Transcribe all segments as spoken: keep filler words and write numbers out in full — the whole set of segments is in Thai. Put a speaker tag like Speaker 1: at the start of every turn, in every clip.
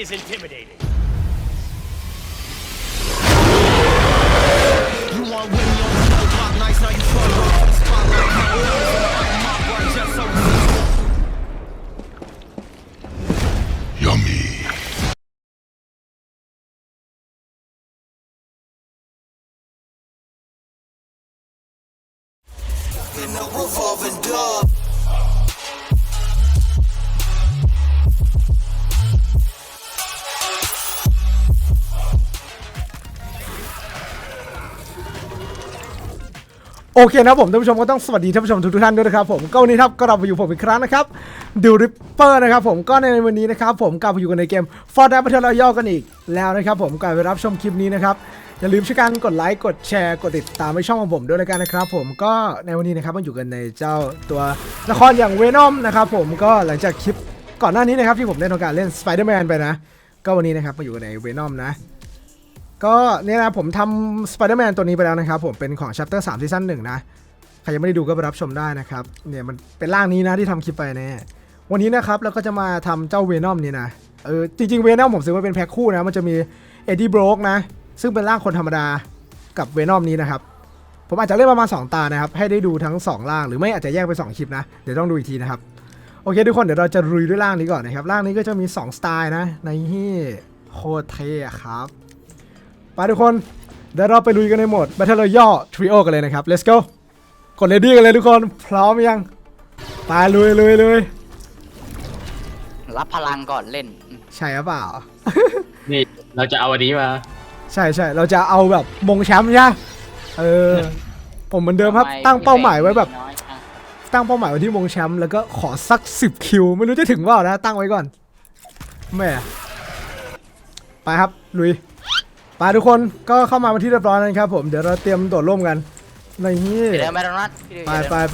Speaker 1: is intimidating.
Speaker 2: You want Winnie on the snow block nights, now you front row for the spotlight. My ears on the mic, my words just so
Speaker 3: Yummy.
Speaker 2: in the revolving door.
Speaker 4: โอเคนะผมท่านผู้ชมก็ต้องสวัสดีท่านผู้ชมทุกท่านด้วยนะครับผมก็วันนี้ครับก็เราไปอยู่ผมอีกครั้งนะครับดิวริปเปอร์นะครับผมก็ในวันนี้นะครับผมกลับมาอยู่กันในเกม Fortnite Battle Royale กันอีกแล้วนะครับผมก่อนไปรับชมคลิปนี้นะครับอย่าลืมช่วยกันกดไลค์กดแชร์กดติดตามในช่องของผมด้วยแล้วกันนะครับผมก็ในวันนี้นะครับมาอยู่กันในเจ้าตัวละครอย่าง Venom นะครับผมก็หลังจากคลิปก่อนหน้านี้นะครับที่ผมได้ทำการเล่น Spider-Man ไปนะก็วันนี้นะครับมาอยู่กันใน Venom นะก็เนี่ยนะผมทำ Spider-Man ตัวนี้ไปแล้วนะครับผมเป็นของ Chapter สาม Season หนึ่งนะใครยังไม่ได้ดูก็ไปรับชมได้นะครับเนี่ยมันเป็นร่างนี้นะที่ทำคลิปไปแน่วันนี้นะครับเราก็จะมาทำเจ้า Venom นี่นะเออจริงๆ Venom ผมซื้อมาเป็นแพ็คคู่นะมันจะมี Eddie Brock นะซึ่งเป็นร่างคนธรรมดากับ Venom นี้นะครับผมอาจจะเล่นประมาณสองตานะครับให้ได้ดูทั้งสองร่างหรือไม่อาจจะแยกไปสองคลิปนะเดี๋ยวต้องดูอีกทีนะครับโอเคทุกคนเดี๋ยวเราจะลุยด้วยร่างนี้ก่อนนะครับร่างนี้ก็จะมีสองสไตล์นะในที่โคตรเท่ครับไปทุกคนเดี๋ยวเราไปลุยกันในโหมด Battle Royale Trio กันเลยนะครับ Let's go กด Ready กันเลยทุกคนพร้อมยังไปลุยลุยลุย
Speaker 5: รับพลังก่อนเล่น
Speaker 4: ใช่หรือเปล่า
Speaker 6: นี่เราจะเอาอันนี้มา
Speaker 4: ใช่ใช่เราจะเอาแบบมงแชมป์ใช่เออผมเหมือนเดิมครับตั้งเป้าหมายไว้แบบตั้งเป้าหมายไว้ที่มงแชมป์แล้วก็ขอสักสิบคิวไม่รู้จะถึงเปล่านะตั้งไว้ก่อนแม่ไปครับลุยไปทุกคนก็เข้ามาเป็นที่เรียบร้อยแล้วครับผมเดี๋ยวเราเตรียมโดดร่มกันในนี้
Speaker 5: เดี๋ยวไม่ต้องนัด
Speaker 4: ไปไปไป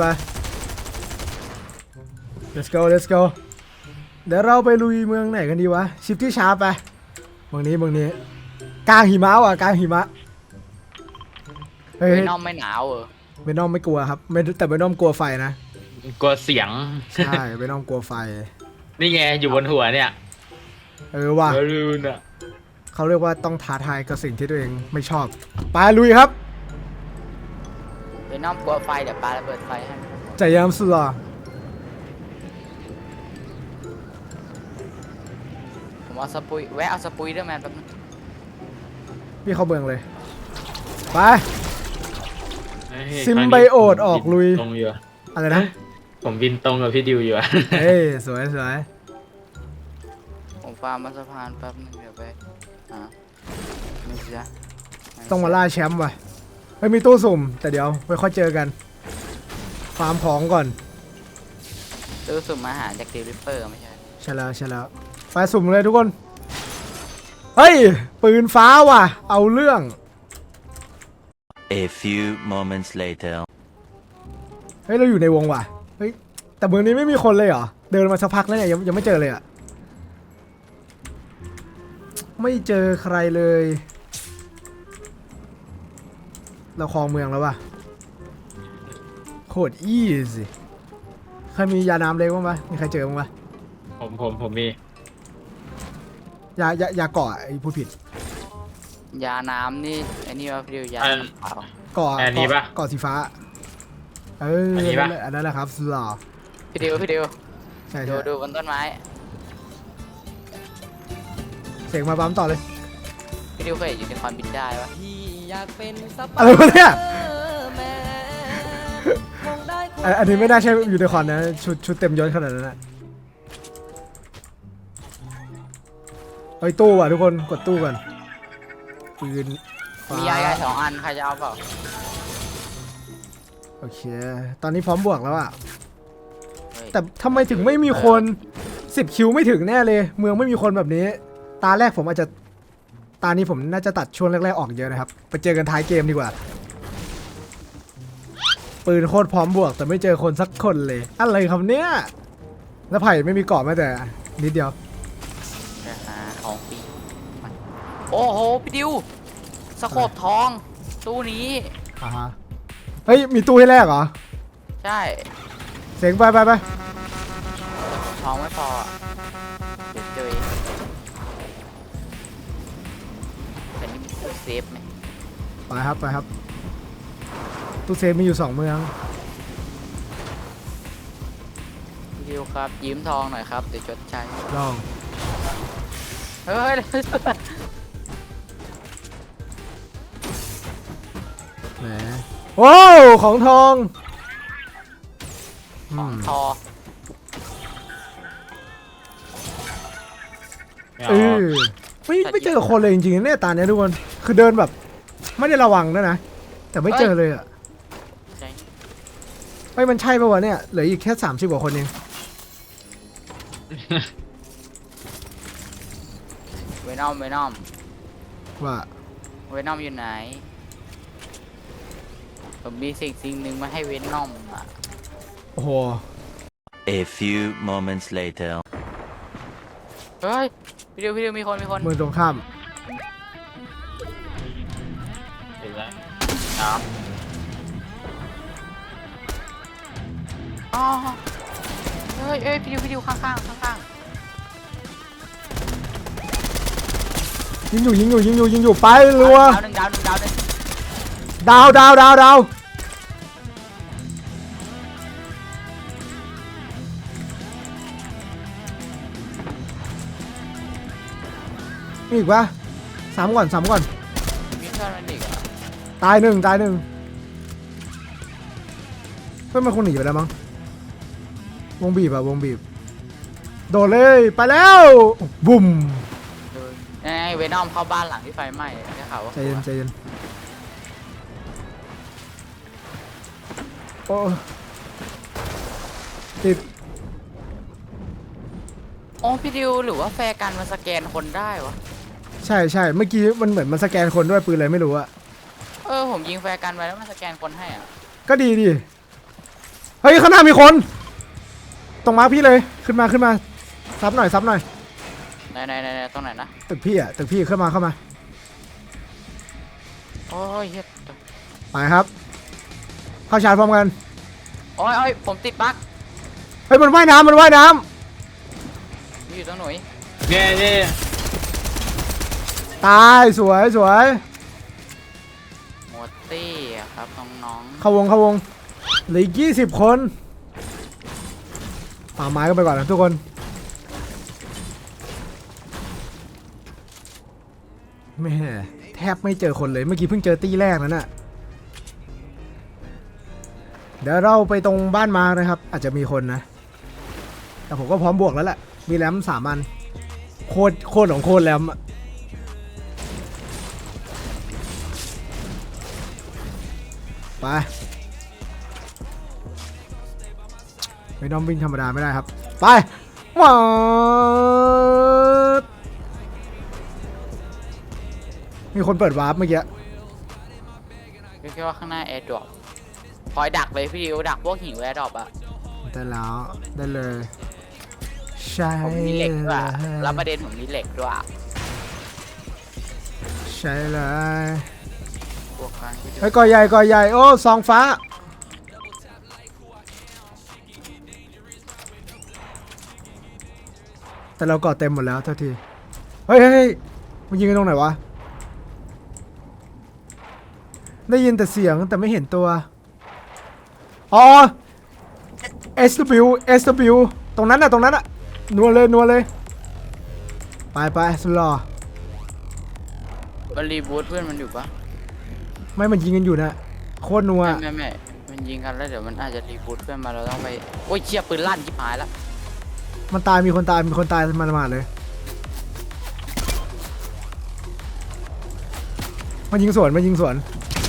Speaker 4: let's go let's go เดี๋ยวเราไปลุยเมืองไหนกันดีวะชิปที่ชาร์ปไปเมืองนี้เมืองนี้กลางหิมะว่ะกลางหิมะเฮ้ย
Speaker 5: ไม่น้อมไม่หนาวเออ
Speaker 4: เบนอมไม่กลัวครับไม่แต่เบนอมกลัวไฟนะ
Speaker 6: กลัวเสียง
Speaker 4: ใช่เบนอมกลัวไฟ
Speaker 6: นี่ไงอยู่บนหัวเนี่ย
Speaker 4: เออว่ะ
Speaker 6: เออรูนอ่ะ
Speaker 4: เขาเรียกว่าต้องท้าทายกับสิ่งที่ตัวเองไม่ชอบไปลุยครับ
Speaker 5: ไปน้อมกลัวไฟเดี๋ยวปาระเบิดไฟให้
Speaker 4: ใจยามสุดหรอ
Speaker 5: ผมเอาสปุยแวะเอาสปุยด้วยแมนแป๊บนึง
Speaker 4: พี่เข้าเมืองเลยไป
Speaker 6: เฮ้ย
Speaker 4: ซิมไบโอตออกลุย
Speaker 6: ตรงอยู่อะ
Speaker 4: อะไรนะ
Speaker 6: ผมบินตรงกับพี่ดิวอยู่อะ
Speaker 4: เฮ้ยสวยสวย
Speaker 5: ผมฟาร์มมาสะพานแป๊บนึงเดี๋ยวไปอ่าไม่เสีย
Speaker 4: ต้องมาล่าแชมป์ว่ะไม่มีตู้สุ่มแต่เดี๋ยวไว้ค่อยเจอกันฟาร์มของก่อน
Speaker 5: ซื้อสุ่มอาหารจากดีริปเปอร์ไม่ใช่
Speaker 4: ใช่แล้วใช่แล้วไฟสุ่มเลยทุกคนเฮ้ยปืนฟ้าว่ะเอาเรื่อง
Speaker 7: A few moments later.
Speaker 4: เฮ้ยเราอยู่ในวงว่ะเฮ้ยแต่เมืองนี้ไม่มีคนเลยเหรอเดินมาสักพักแล้วเนี่ยยังยังไม่เจอเลยอะไม่เจอใครเลยเราครองเมืองแล้วว่ะโคตรอีสิใครมียาน้ำเล็กบ้างปะมีใครเจอบ้างปะ
Speaker 6: ผมผมผมมี
Speaker 4: ยายายาเกาะไอ้พูดผิด
Speaker 5: ยาน้ำนี่ไอ้นี่ว่าพี่ดิวยา
Speaker 6: อัน
Speaker 5: น้ำเปล่า
Speaker 4: เกาะ
Speaker 6: อันนี้ปะ
Speaker 4: เกาะสีฟ้าเออ
Speaker 6: อั
Speaker 4: อั
Speaker 6: นนี้ปะ
Speaker 4: อันนั้นแหละครับสุดหล่อ
Speaker 5: พี่ดิวพี่ดิว
Speaker 4: ใช่
Speaker 5: ดู
Speaker 4: ใช่
Speaker 5: ดูบนต้นไม้
Speaker 4: เสียงมาปั๊มต่อเลย
Speaker 5: พี่ดิวเคยเห็นยูนิคอร์นบินได้ปะ
Speaker 4: อะไรวะเนี่ยอันอันนี้ไม่ได้ใช่ยูนิคอร์นนะชุดชุดเต็มยศขนาดนั้นนะไปตู้ว่ะทุกคนกดตู้ก่อนปืนฟ้
Speaker 5: มียาไก่สองอันใครจะเอาเปล่า
Speaker 4: โอเคตอนนี้พร้อมบวกแล้วอะ
Speaker 5: เฮ้ย
Speaker 4: แต่ทำไมถึงไม่มีคนสิบคิวไม่ถึงแน่เลย เมืองไม่มีคนแบบนี้ ตาแรกผมอาจจะตานี้ผมน่าจะตัดช่วงแรกๆออกเยอะนะครับไปเจอกันท้ายเกมดีกว่าปืนโคตรพร้อมบวกแต่ไม่เจอคนสักคนเลยอะไรครับเนี่ยแล้วไผ่ไม่มีเกาะแม้แต่นิดเดียว
Speaker 5: เดี๋ยวหาของปีมาโอ้โหพี่ดิวสโคปทองตู้นี้
Speaker 4: อ่าฮะเฮ้ยมีตู้ให้แรกเหรอ
Speaker 5: ใช่
Speaker 4: เสียงไปไปไป
Speaker 5: ทองไม่พออะเดี๋ยวเจอเองเซฟไหม
Speaker 4: ไปครับไปครับตู้เซฟมีอยู่สองเมือง
Speaker 5: พี่ดิวครับยืมทองหน่อยครับเดี๋ยวชดใช้
Speaker 4: ลอง
Speaker 5: เฮ้ย
Speaker 4: แหมโอ้ของทอง
Speaker 5: ของ
Speaker 4: ม
Speaker 5: ทอ
Speaker 6: ไม่
Speaker 4: เอ
Speaker 6: เอา
Speaker 4: อไม่ไม่เจอคนเลยจริงๆเนี่ยตาเนี้ยทุกคนคือเดินแบบ ไม่ได้ระวังด้วยนะแต่ไม่เจอเลยอ่ะ
Speaker 5: ใช่
Speaker 4: เฮ้ยมันใช่ปะวะเนี่ยเหลืออีกแค่สามสิบกว่าคนเอง
Speaker 5: เวนอมเวนอม
Speaker 4: ว่า
Speaker 5: เวนอมอยู่ไหนผมมีสิ่งสิ่งหนึ่งมาให้เวนอมอ่ะ
Speaker 4: โอ้โห
Speaker 7: A few moments later.
Speaker 5: เฮ้ยพี่ดิวพี่ดิวมีคนมีคน
Speaker 4: เมืองตรงข้าม
Speaker 6: เห็นแล้ว
Speaker 5: อ๋ออ๋อเฮ้ยเอ้ยพี่ดิวพี่ดิวข้างข้างข้างข้าง
Speaker 4: ยิงอยู่ยิงอยู่ยิงอยู่ยิงอยู่ไปรัว
Speaker 5: ดาวหนึ่งดาวหนึ่งดาวหนึ่ง
Speaker 4: ดาวดาวดาวดาวมีอีกปะสามก่อนสามก่อน
Speaker 5: มีเพื่อนมันอีกเหรอ
Speaker 4: ตายหนึ่งตายหนึ่งเพื่อนมันคงหนีไปแล้วมั้งวงบีบอะวงบีบโดดเลยไปแล้วบุ่ม
Speaker 5: ดูนี่ไงเวนอมเข้าบ้านหลังที่ไฟไหม้ได้ข่าวว่า
Speaker 4: ใจเย็นใจเย็นโอ้ติด
Speaker 5: โอ้พี่ดิวหรือว่าแฟร์กันมันสแกนคนได้วะ
Speaker 4: ใช่ใช่เมื่อกี้มันเหมือนมันสแกนคนด้วยปืนอะไรไม่รู้อะ
Speaker 5: เออผมยิงแฟร์กันไปแล้วมันสแกนคนให้อ่ะ
Speaker 4: ก็ดีดิเฮ้ยข้างหน้ามีคน ตรงมาร์คพี่เลยขึ้นมาขึ้นมาซับหน่อยซับหน่อย
Speaker 5: ไหนไหนไหนไหนตรงไหนนะ
Speaker 4: ตึกพี่อะตึกพี่เข้ามาเข้ามา
Speaker 5: โอ้ยเฮีย
Speaker 4: ไปครับ เข้าชาร์จพร้อมกัน
Speaker 5: โอ้ยโอ้ยผมติดบั๊ก
Speaker 4: เฮ้ยมันว่ายน้ำมันว่ายน้
Speaker 5: มีอยู่ตรงหนุ่ย
Speaker 6: เนี่ยเนี่ย
Speaker 4: ำตายสวยสวย
Speaker 5: หมดตี้อะครับน้อง
Speaker 4: เข้าวงเข้าวงเหลืออีกยี่สิบคนป่าไม้กันไปก่อนนะทุกคนแม่แทบไม่เจอคนเลยเมื่อกี้เพิ่งเจอตี้แรกนั่นน่ะเดี๋ยวเราไปตรงบ้านมานะครับ อาจจะมีคนนะ แต่ผมก็พร้อมบวกแล้วแหละมีแรมสามอันโคตรโคตรของโคตรแรมอะไปไม่ต้องวิ่งธรรมดาไม่ได้ครับไปมามีคนเปิดวาร์ปเมื่อกี้
Speaker 5: ๆพี่คิดว่าข้างหน้าแอร์ดรอปคอยดักเลยพี่ดิวดักพวกหิวแอร์ดรอปอะ
Speaker 4: ได้แล้วได้เลยใช่
Speaker 5: ผมมีเหล็กด้วยอะแล้วประเด็นผมมีเหล็กด้วยอะ
Speaker 4: ใช่เลย
Speaker 5: พวกกันพี่ดิว
Speaker 4: ไอ้ยก่อใหญ่ก่อใหญ่โอ้ซองฟ้าแต่เราก่อเต็มหมดแล้วเท่าทีเฮ้ยเฮ้ยเฮ้ยมันยิงกันตรงไหนวะได้ยินแต่เสียงแต่ไม่เห็นตัวอ๋อ เอส ดับเบิลยู เอส ดับเบิลยู ตรงนั้นน่ะตรงนั้นน่ะนัวเลยนัวเลยไปไปสุดหล่อ
Speaker 5: มันรีบูทเพื่อนมันอยู่ปะ
Speaker 4: ไม่มันยิงกันอยู่นะโคตรนัว
Speaker 5: ไม่ไม่ไม่มันยิงกันแล้วเดี๋ยวมันอาจจะรีบูทเพื่อนมาเราต้องไปโอ้ยเชี่ยปืนลั่นชิบหายแล้ว
Speaker 4: มันตายมีคนตายมีคนตายมันมาเลยมันยิงสวนมันยิงสวน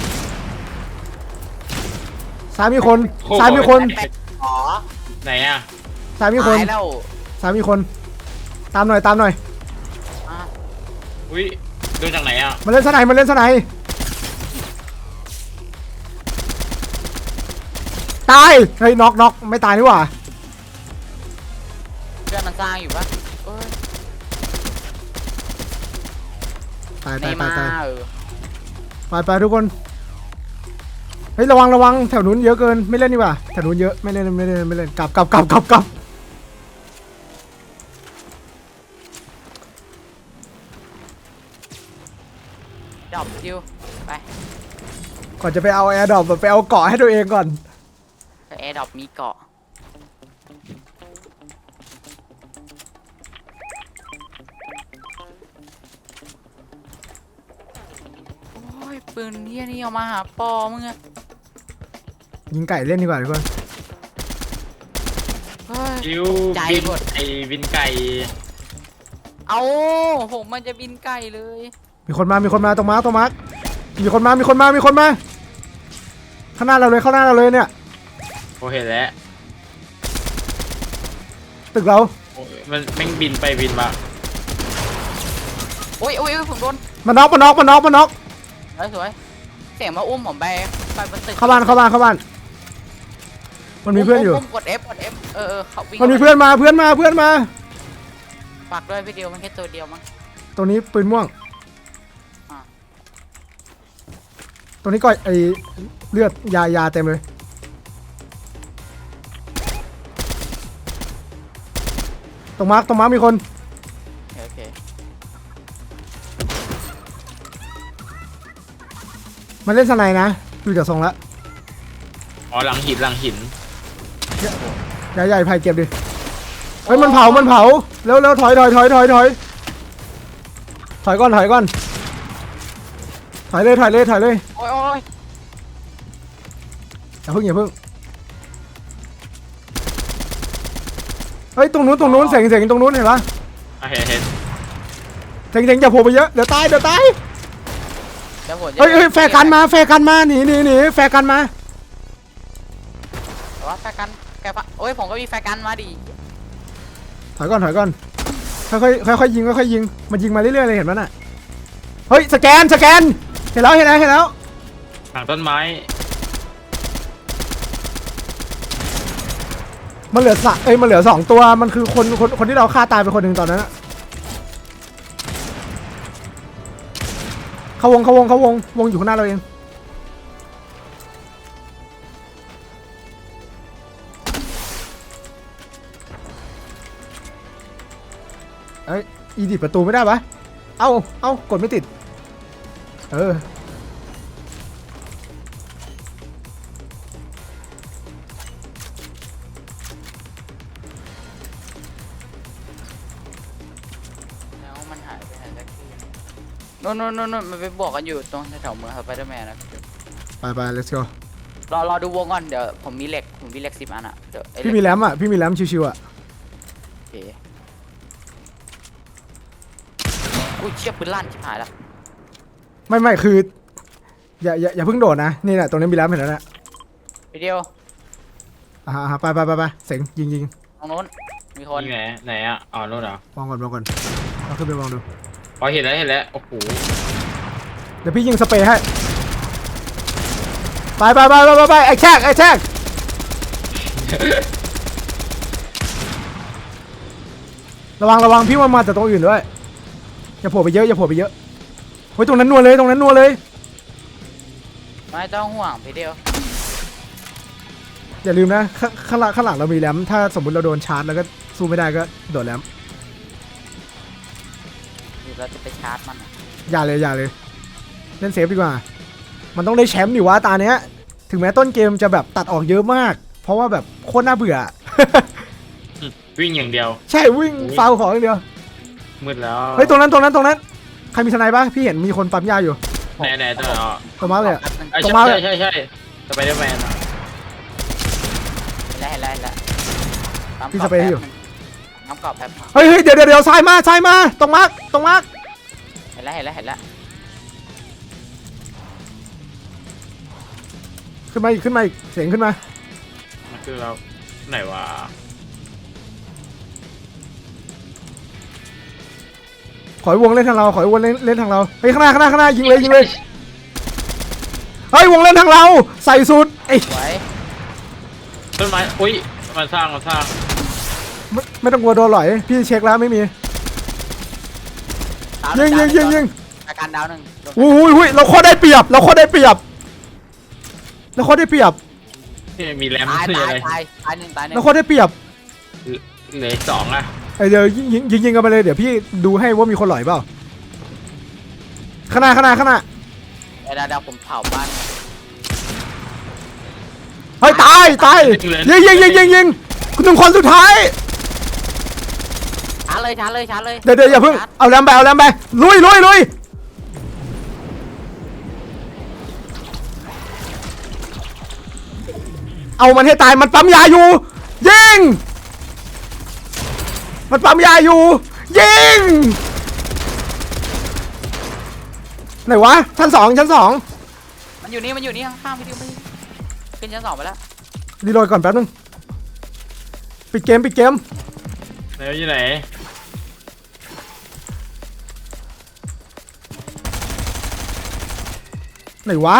Speaker 4: ซ้ายมีคนซ้ายมีคน
Speaker 5: อ๋อ
Speaker 6: ไหนอ่ะ
Speaker 4: ซ้ายมีคน
Speaker 5: ตายแล้ว
Speaker 4: ซ้ายมีคนตามหน่อยตามหน่อย
Speaker 5: อ่ะ
Speaker 6: อุ้ยดูจากไหนอ่ะ
Speaker 4: มาเล่นสไนมาเล่นสไนตายเฮ้ยน็อกน็อกไม่ตายนี่หว่า
Speaker 5: เพื่อนมันสร้างอยู่ปะเอ้ย
Speaker 4: ตาย
Speaker 5: ใน
Speaker 4: ตาย
Speaker 5: มา
Speaker 4: ตายตาย
Speaker 5: เออ
Speaker 4: ไปไปทุกคนเฮ้ยระวังระวังแถวนู้นเยอะเกินไม่เล่นดีกว่าแถวนู้นเยอะไม่เล่นไม่เล่นไม่เล่นกลับกลับกลับกลับกลับ
Speaker 5: ดรอปดิวไป
Speaker 4: ก่อนจะไปเอาแอร์ดรอปไปเอาเกาะให้ตัวเองก่อน
Speaker 5: แอร์ดรอปมีเกาะโอ้ยปืนเฮียนี่เอามาหาปอมึงอะ
Speaker 4: ยิงไก่เล่นดีกว่าทุกคน
Speaker 5: เฮ้ย
Speaker 6: คิว
Speaker 5: ใจ
Speaker 6: บิน
Speaker 5: หมด
Speaker 6: ไอ้บินไก่
Speaker 5: เอาผมมันจะบินไกลเลย
Speaker 4: มีคนมามีคนมาตรงมาร์คตรงมาร์คมีคนมามีคนมามีคนมาข้างหน้าเราเลยข้างหน้าเราเลยเนี่ย
Speaker 6: โอเห็นแล้ว
Speaker 4: ตึกเรา
Speaker 6: โอ้ยมันแม่งบินไปบินมา
Speaker 5: โอ้ยโอ้ยโอ้ยผมโดน
Speaker 4: มาน็อกมาน็อกมาน็อกมาน็อก
Speaker 5: สวยสวยเสียงมาอุ้มผมไปไปบนตึก
Speaker 4: เข้าบ้านเข้าบ้านเข้าบ้านมันมีเพื่อนอยู่
Speaker 5: มกด F กด F เออเออเขาวิ่ง
Speaker 4: มันมีเพื่อนมาเพื่อนมาเพื่อนมา
Speaker 5: ฝากด้วยพี่เดียวมันแค่ตัวเดียวมั้ง
Speaker 4: ตัวนี้ปืนม่วง
Speaker 5: อ่ะ
Speaker 4: ตัวนี้ก็ไอเลือดยายาเต็มเลยตรงมาร์คตรงมาร์คมีคน
Speaker 5: โอเค
Speaker 4: มันเล่นสไนนะดูจากทรงละ
Speaker 6: อ๋อหลังหินหลังหิน
Speaker 4: ใหญ่ใหญ่ไผ่เก็บดิเฮ้ยมันเผามันเผาเร็วเร็วถอยถอยถอยถอยถอยถอยก่อนถอยก่อนถอยเลยถอยเลยถอยเลย
Speaker 5: โอ้ยโอ้ย
Speaker 4: อย่าเพิ่งอย่าเพิ่งเฮ้ยตรงนู้นตรงนู้นเสียงเสียงตรงนู้นเห็นปะ
Speaker 6: อ่ะเห็นเห็น
Speaker 4: เสียงเสียงอย่าโผล่ไปเยอะเดี๋ยวตายเดี๋ยวตาย
Speaker 5: เดี๋ยวผมจะ
Speaker 4: เฮ้ยเฮ้ยแฟร์กันมาแฟร์กันมาหนีหนีหนีแฟร์กันมา
Speaker 5: แต่ว่าแฟร์กันแกปะโอ้ยผมก็มีแฟร์กันมาดิ
Speaker 4: ถอยก่อนถอยก่อนค่อยค่อยค่อยๆยิงค่อยๆยิงมันยิงมาเรื่อยๆเลยเห็นมั้ยน่ะเฮ้ยสแกนสแกนเห็นแล้วเห็นแล้วเห็นแล้ว
Speaker 6: หลังต้นไม้
Speaker 4: มันเหลือสะเอ้ยมันเหลือสองตัวมันคือคนคนคนที่เราฆ่าตายไปคนหนึ่งตอนนั้นอะเขาวงเขาวงเขาวงวงอยู่ข้างหน้าเราเองเอ้ยอีดิประตูไม่ได้ปะเอ้าเอ้ากดไม่ติดเออ
Speaker 5: แล้วมันหายไปไหนสักทีโน่นโน่นโน่นโน่นมันไปบวกกันอยู่ตรงแถวๆเมืองสไปเดอร์แมนนะ
Speaker 4: ไปไป let's go
Speaker 5: รอรอดูวงก่อนเดี๋ยวผมมีเหล็กผมมีเหล็กสิบอันอ่ะเดี๋ยวไอ้เหล็
Speaker 4: พี่
Speaker 5: ก
Speaker 4: มีแรมอ่ะพี่มีแรมชิวๆอ่ะ
Speaker 5: โอเคอุ้ยเชี่ยปืนลั่นชิบหายละ
Speaker 4: ไม่ไม่คืออย่าอย่าอย่าเพิ่งโดดนะนี่แหละตรงนี้มีแรมเห็นแล้วนะ
Speaker 5: พี่เดียว
Speaker 4: อ่าไปไปไปไปเสงยิงยิง
Speaker 5: ตรงโน้นมีคน
Speaker 6: นี่ไหนไหนอ่ะอ๋อนู่นเหรอ
Speaker 4: มองก่อนมองก่อนเอาขึ้นไปมองดู
Speaker 6: อ๋อเห็นแล้วเห็นแล้วโอ้โห
Speaker 4: เดี๋ยวพี่ยิงสเปรย์ให้ไปไปไปไปไปไปไอ้แชกไอ้แชกระวังระวังพี่ว่ามาจากตรงอื่นด้วยอย่าโผล่ไปเยอะอย่าโผล่ไปเยอะเฮ้ยตรงนั้นนัวเลยตรงนั้นนัวเลย
Speaker 5: ไม่ต้องห่วงพี่เดียว
Speaker 4: อย่าลืมนะข้างข้างหลังข้างหลังเรามีแรมถ้าสมมติเราโดนชาร์จแล้วก็สู้ไม่ได้ก็โดดแรม
Speaker 5: หรือเราจะไปชาร์จมันอะ
Speaker 4: อย่าเลยอย่าเลยเล่นเซฟดีกว่ามันต้องได้แชมป์ดิวะตาเนี้ยถึงแม้ต้นเกมจะแบบตัดออกเยอะมาก เพราะว่าแบบโคตรน่าเบื่อ
Speaker 6: วิ่งอย่างเดียว
Speaker 4: ใช่วิ่งฟาวของอย่างเดียว
Speaker 6: มืดแล้ว
Speaker 4: เฮ้ยตรงนั้นตรงนั้นตรงนั้นใครมีทนายปะพี่เห็นมีคนปั๊มยาอยู่
Speaker 6: ไหนไหนตัวไหนอ๋อ
Speaker 4: ตรงมาเลยอะ
Speaker 5: แป๊บนึง
Speaker 6: ไอ้
Speaker 4: ตรง
Speaker 6: ใช่
Speaker 4: มา
Speaker 6: ใช่ใช่ใช่สไปเดอร์แมนอะ
Speaker 5: เห็นแล้วเห็นแล้วเห็นแล้วปั๊ม
Speaker 4: พี่
Speaker 5: ก
Speaker 4: ส
Speaker 5: รอบ
Speaker 4: เปรย์ให้อยู่
Speaker 5: น้ำกรอบแป๊บ
Speaker 4: เฮ้ยเฮ้ยเดี๋ยวเดี๋ยวเดี๋ยวซ้ายมาซ้ายมาตรงมาร์กตรงมาร์ก
Speaker 5: เห็นแล้วเห็นแล้วเห็นแล้ว
Speaker 4: ขึ้นมาอีกขึ้นมาอีกเสียงขึ้นมา
Speaker 6: มันคือเราไหนวะ
Speaker 4: ขอยวงเล่นทางเราขอยวงเล่นเล่นทางเราเฮ้ยข้างหน้าข้างหน้าข้างหน้ายิงเลยยิงเลยเฮ้ยวงเล่นทางเราใส่สุดไอ้ย
Speaker 5: สวย
Speaker 6: ต้นไม้อุ้ยมันสร้างมันสร้าง
Speaker 4: ไม่ไม่ต้องกลัวโดนหลอยพี่เช็คแล้วไม่มี
Speaker 5: ดาวหนึ่
Speaker 4: ยิงยิงยิงยิง
Speaker 5: อาการดาวหนึ่ง
Speaker 4: อุ้ยอุ้ยเราโคตรได้เปรียบเราโคตรได้เปรียบเราโคตรได้เปรียบ
Speaker 6: ที่มีแรม
Speaker 5: ตาย
Speaker 6: คือ
Speaker 5: ตา
Speaker 6: อะ
Speaker 5: ย
Speaker 6: ไร
Speaker 5: ตายตายหนึ่งตายหนึ่ง
Speaker 4: เราโคตรได้เปรียบ
Speaker 6: เหลืออีกสองอะ
Speaker 4: ไอเดี๋ยวยิงยิงยิงยิงกันไปเลยเดี๋ยวพี่ดูให้ว่ามีคนหลอยเปล่าข้างหน้าข้างหน้าข้างหน้า
Speaker 5: ดี๋ยวเดี๋ยวผมเผาบ้าน
Speaker 4: เฮ้ยตายตายยิงยิงยิงยิงยิงคุณหนึ่งคนสุดท้าย
Speaker 5: ชาร์จเลยชาร์จเลยชาร์จเลย
Speaker 4: เดี๋ยวเดี๋ยวอย่าเพิ่งเอาแรมไปเอาแรมไปลุยลุยลุยเอามันให้ตายมันปั๊มยาอยู่ยิงมันปั๊มยาอยู่ยิงไหนวะชั้นสองชั้นสอง
Speaker 5: มันอยู่นี่มันอยู่นี่ข้างๆพี่ดิวไม่ขึ้นชั้นสองไปแล้ว
Speaker 4: รีโหลดก่อนแป๊บนึงปิดเกมปิดเกม
Speaker 6: ไหนอยู่ไหน
Speaker 4: ไหนวะ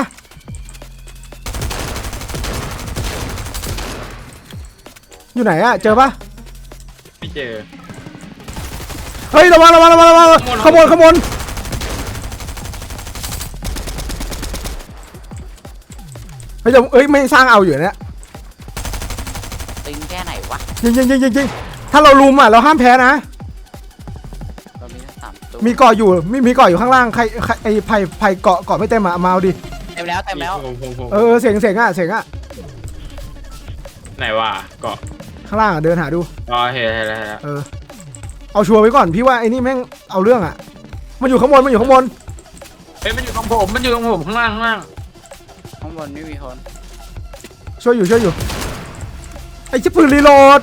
Speaker 4: อยู่ไหนอะเจอปะ
Speaker 6: ไม่เจอ
Speaker 4: เฮ้ยระวังระวังระวังระวังขโมยขโมยเฮ้ยจะเอ้ยไม่สร้างเอาอยู่เนี่ย
Speaker 5: ตึงแค่ไหนวะ
Speaker 4: ยิงยิงยิงยิงยิงถ้าเราลุมอ่ะเราห้ามแพ้นะ
Speaker 5: เรามีทั้งสามตัว
Speaker 4: มีเกาะอยู่มีมีเกาะอยู่ข้างล่างใครใครไอ้ไผ่ไผ่เกาะเกาะไม่เต็มอ่ะมาเอาดิ
Speaker 5: เต็มแล้วเต็มแล้ว
Speaker 6: ผมผมผม
Speaker 4: เออเสียงเสียงอ่ะเสียงอ่ะ
Speaker 6: ไหนวะเกาะ
Speaker 4: ข้างล่างอ่ะเดินหาดู
Speaker 6: อ๋อเห็นเห็นแล้วเห็นแล้ว
Speaker 4: เออเอาชัวร์ไว้ก่อนพี่ว่าไอ้นี่แม่งเอาเรื่องอ่ะมันอยู่ข้างบนมันอยู่ข้างบน
Speaker 6: เฮ้ยมันอยู่ตรงผมมันอยู่ตรงผมข้างล่างข้างล่าง
Speaker 5: ข้างบนไม่มีคน
Speaker 4: ช่วยอยู่ช่วยอยู่ไอ้ชิบปืนรีโหลด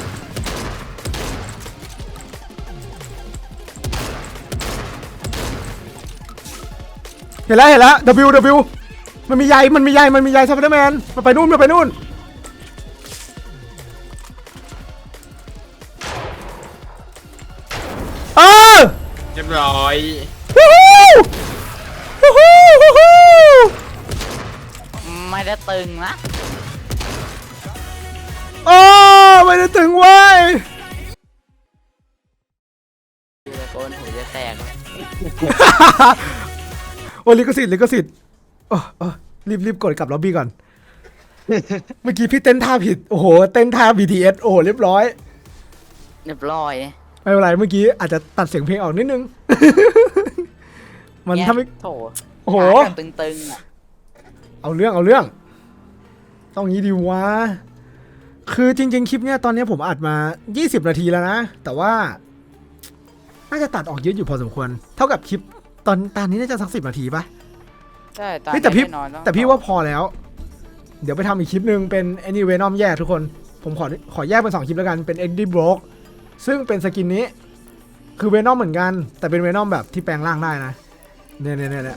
Speaker 4: เห็นแล้วเห็นแล้ว W W มันมีใยมันมีใยมันมีใยสไปเดอร์แมนมันไปนู่นมันไปนู่นเออ
Speaker 6: เรียบร้อย
Speaker 4: วู้ฮู้วู้ฮู้วู้ฮู้
Speaker 5: ไม่ได้ตึงนะ
Speaker 4: โอ้ไม่ได้ถึงเว้ย
Speaker 5: ดูตะโกนหูจะแตกเลย
Speaker 4: โอ้ลิขสิทธิ์ลิขสิทธิ์โอ้โอ้รีบรีบกดกลับล็อบบี้ก่อน เมื่อกี้พี่เต้นท่าผิดโอ้โหเต้นท่า บี ที เอส โอ้โหเรียบร้อย
Speaker 5: เรียบร้อย
Speaker 4: ไม่เป็นไรเมื่อกี้อาจจะตัดเสียงเพลงออกนิดนึง มัน
Speaker 5: เนี่ย
Speaker 4: ทำให้
Speaker 5: โถ
Speaker 4: โอ้โห
Speaker 5: ขากันตึงๆอ่ะ
Speaker 4: เอาเรื่องเอาเรื่อง ต้องงี้ดีวะ คือจริง ๆ คลิปเนี้ยตอนนี้ผมอัดมายี่สิบนาทีแล้วนะ แต่ว่า น่าจะตัดออกเยอะอยู่พอสมควร เท่ากับคลิปตอนตอนนี้น่าจะสักสิบนาทีปะ
Speaker 5: ใช่ตอน
Speaker 4: เฮ้ยแต่พี่
Speaker 5: นี้นอนล้ว
Speaker 4: แต่พี่ว่าพอแล้ว เดี๋ยวไปทำอีกคลิปหนึ่งเป็น Any Venom แยกทุกคน ผมขอขอแยกเป็นสองคลิปแล้วกันเป็น Eddie Brock ซึ่งเป็นสกินนี้ คือ Venom เหมือนกัน แต่เป็น Venom แบบที่แปลงร่างได้นะเนี่ยเนี่ยเนี่ย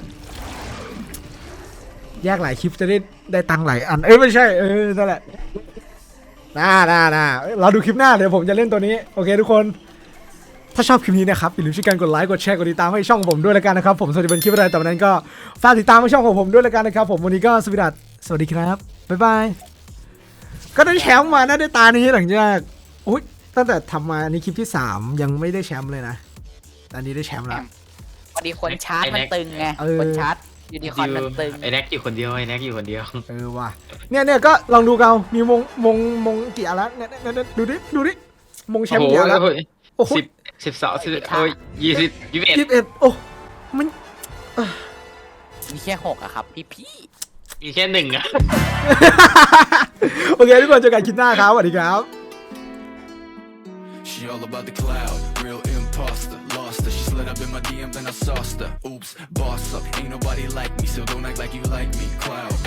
Speaker 4: แยกหลายคลิปจะได้ได้ตังค์หลายอัน เอ้ยไม่ใช่เออนั่นแหละน่าน่าน่าเราดูคลิปหน้าเดี๋ยวผมจะเล่นตัวนี้โอเคทุกคน ถ้าชอบคลิปนี้นะครับอย่าลืมช่วยกันกดไลค์กดแชร์กดติดตามให้ช่องผมด้วยแล้วกันนะครับผมสวัสดีเป็นคลิปอะไรแต่วันนั้นก็ฝากติดตามให้ช่องของผมด้วยแล้วกันนะครับผมวันนี้ก็สวัสดีสวัสดีครับบ๊ายบายก็ได้แชมป์มานะได้ตานี้หลังจากอุ้ยตั้งแต่ทำมาอันนี้คลิปที่สามยังไม่ได้แชมป์เลยนะอันนี้ได้แชมป์แล้ว
Speaker 5: พอดีคนชาร์จมันตึงไง
Speaker 4: เออ
Speaker 5: คนชาร์จยูนิคอร์นมันตึง
Speaker 6: ไอ้แน็กอยู่คนเดียวไอ้แน็กอยู่คนเดียว
Speaker 4: เออว่ะเนี่ยเนี่ยก็ลองดูกันมีมงมงมงกี่อันแล้วเนี่ยเนี่ยเนี่ยดูดิดูดิมงแชมป์กี่อันแล้วโอ้โห
Speaker 6: สิบสิบสองสิบโอ้ยยี่สิบยี่สิบเอ็ด
Speaker 4: ยี่สิบเอ็ดโอ้มัน
Speaker 5: มีแค่หกอะครับพี่พี่
Speaker 6: มีแค่หนึ่งอะ
Speaker 4: โอเคทุกคนเจอกันคลิปหน้าครับสวัสดีครับ
Speaker 2: She all about the cloud, real imposter, lost her. She slid up in my D M, then I sauced her. Oops, boss up, ain't nobody like me, so don't act like you like me. Cloud,